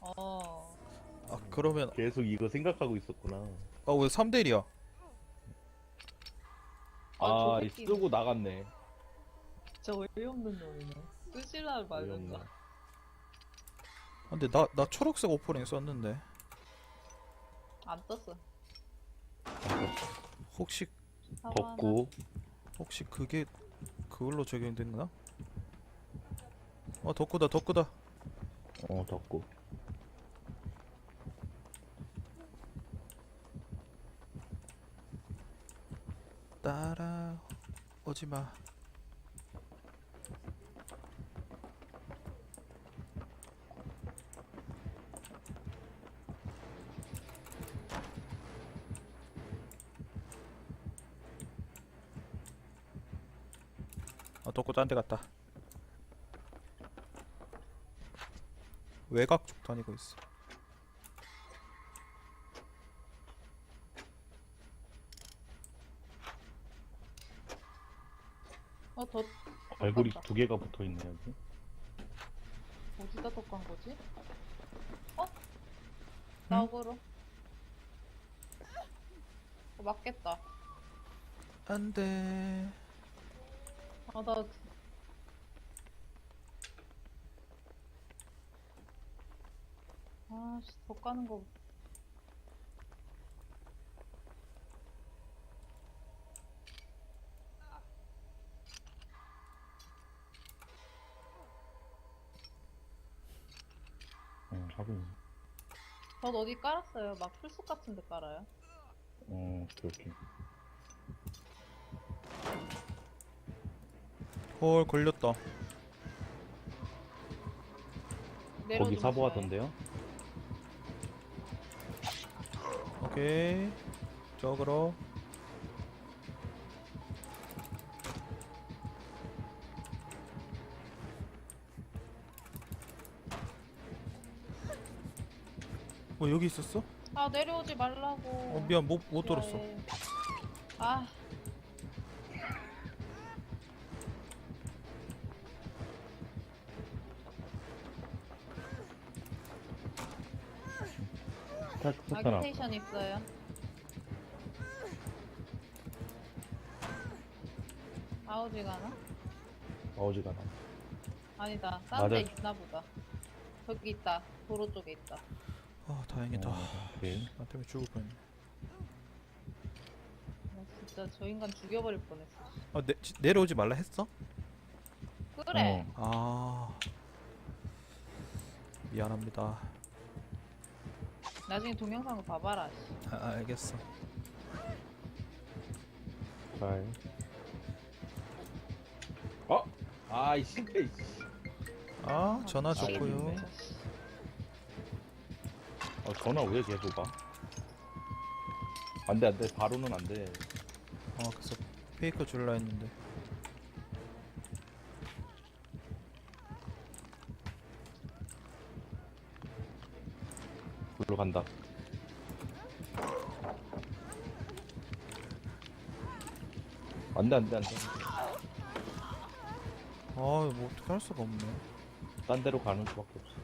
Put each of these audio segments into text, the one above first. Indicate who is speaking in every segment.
Speaker 1: 어.
Speaker 2: 아 그러면
Speaker 3: 계속 이거 생각하고 있었구나.
Speaker 2: 왜 3대 1이야?
Speaker 1: 저
Speaker 3: 아,
Speaker 1: 새끼
Speaker 3: 쓰고 나갔네.
Speaker 1: 진짜 어이없는 놈이네. 쓰시라
Speaker 3: 어이없네.
Speaker 1: 말든가.
Speaker 2: 근데 나 초록색 오프닝 썼는데
Speaker 1: 안 떴어.
Speaker 2: 혹시
Speaker 3: 덥고.
Speaker 2: 혹시 그게 그걸로 적용됐나? 덕구다 덕구다.
Speaker 3: 덥고.
Speaker 2: 따라 오지마. 덕구 딴 데 갔다. 외곽 쪽 다니고 있어.
Speaker 1: 더.
Speaker 3: 갈고리
Speaker 1: 떴다.
Speaker 3: 2개가 붙어 있네, 여기.
Speaker 1: 어디다 덕간 거지? 나오고로. 맞겠다.
Speaker 2: 안돼.
Speaker 1: 나 아씨, 더 까는 거.
Speaker 3: 하긴.
Speaker 1: 전 어디 깔았어요. 막 풀숲 같은 데 깔아요.
Speaker 3: 그렇게.
Speaker 2: 헐 걸렸다.
Speaker 1: 내려주면
Speaker 3: 거기 사보
Speaker 1: 좋아요.
Speaker 3: 하던데요?
Speaker 2: 오케이. 저그로. 여기 있었어?
Speaker 1: 내려오지 말라고.
Speaker 2: 미안 못 들었어.
Speaker 1: 좋아해. 아,
Speaker 3: 스타트
Speaker 1: 아기테이션 있어요. 아우지 가나?
Speaker 3: 어지가 나.
Speaker 1: 아니다. 딴 데
Speaker 3: 맞아.
Speaker 1: 있나 보다. 저기 있다. 도로 쪽에 있다.
Speaker 2: 다행이다.
Speaker 3: 오케이.
Speaker 2: 나 때문에 죽을 뻔했네.
Speaker 1: 나 진짜 저 인간 죽여버릴 뻔했어.
Speaker 2: 내려오지 말라 했어?
Speaker 1: 그래.
Speaker 2: 미안합니다.
Speaker 1: 나중에 동영상을 봐봐라. 씨.
Speaker 2: 알겠어.
Speaker 3: 잘. 아이 싱크.
Speaker 2: 전화 줬고요.
Speaker 3: 알겠네. 전화 왜 계속 와? 안돼 안돼 바로는 안돼.
Speaker 2: 그래서 페이커 줄라 했는데.
Speaker 3: 불러 간다. 안돼 안돼 안돼.
Speaker 2: 뭐 어떻게 할 수가 없네.
Speaker 3: 딴 데로 가는 수밖에 없어.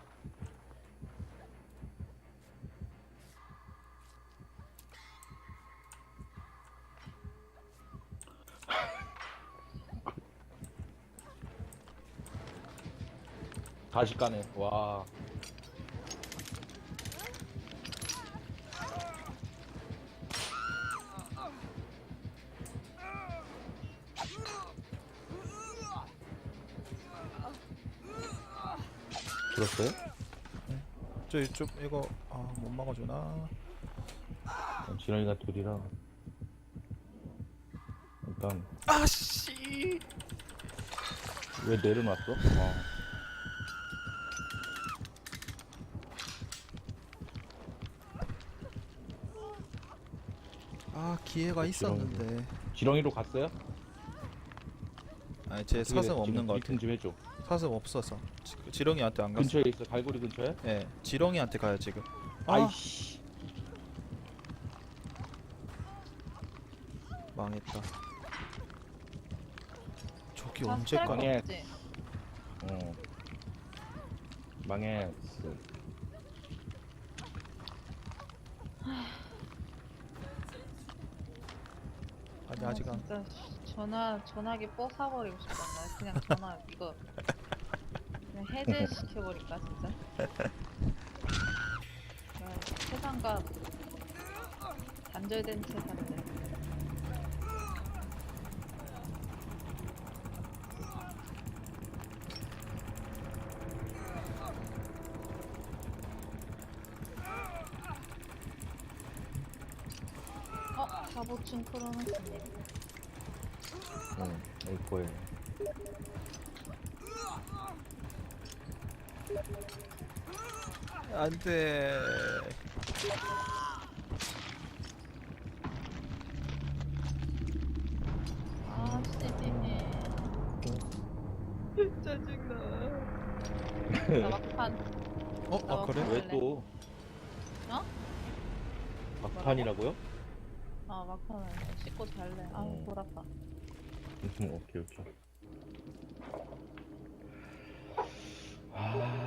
Speaker 3: 다시 까네. 와. 들었어요?
Speaker 2: 좀 이거 못 막아주나?
Speaker 3: 지렁이가 둘이라 일단
Speaker 2: 아씨.
Speaker 3: 왜 내려놨어?
Speaker 2: 기회가 있었는데.
Speaker 3: 지렁이로 갔어요?
Speaker 2: 제 사슴 없는 것 같아.
Speaker 3: 미팅 좀 해줘.
Speaker 2: 사슴 없어서 지렁이한테 안 갔어.
Speaker 3: 근처에 있어. 갈고리 근처에?
Speaker 2: 예, 지렁이한테 가요 지금.
Speaker 3: 아이씨.
Speaker 2: 망했다. 저기
Speaker 1: 다
Speaker 2: 언제
Speaker 1: 스트라이크
Speaker 2: 가나?
Speaker 3: 가네.
Speaker 1: 없지?
Speaker 3: 망했어.
Speaker 2: 아니 아직 안.
Speaker 1: 진짜 전화기 뽀사버리고 싶다. 나 그냥 전화 이거 그냥 해제시켜버릴까 진짜. 야, 세상과 단절된 채 산대. 갑오충 크로노스님.
Speaker 3: 응, 여기 보여.
Speaker 2: 안돼.
Speaker 1: 아, 씨비님. 짜증나. 나 막판.
Speaker 2: 아 그래?
Speaker 3: 왜 또?
Speaker 1: 어?
Speaker 3: 막판이라고요?
Speaker 1: 아, 막판은 씻고 잘래. 아,
Speaker 3: 어.
Speaker 1: 돌았다.
Speaker 3: 오케이, 오케이.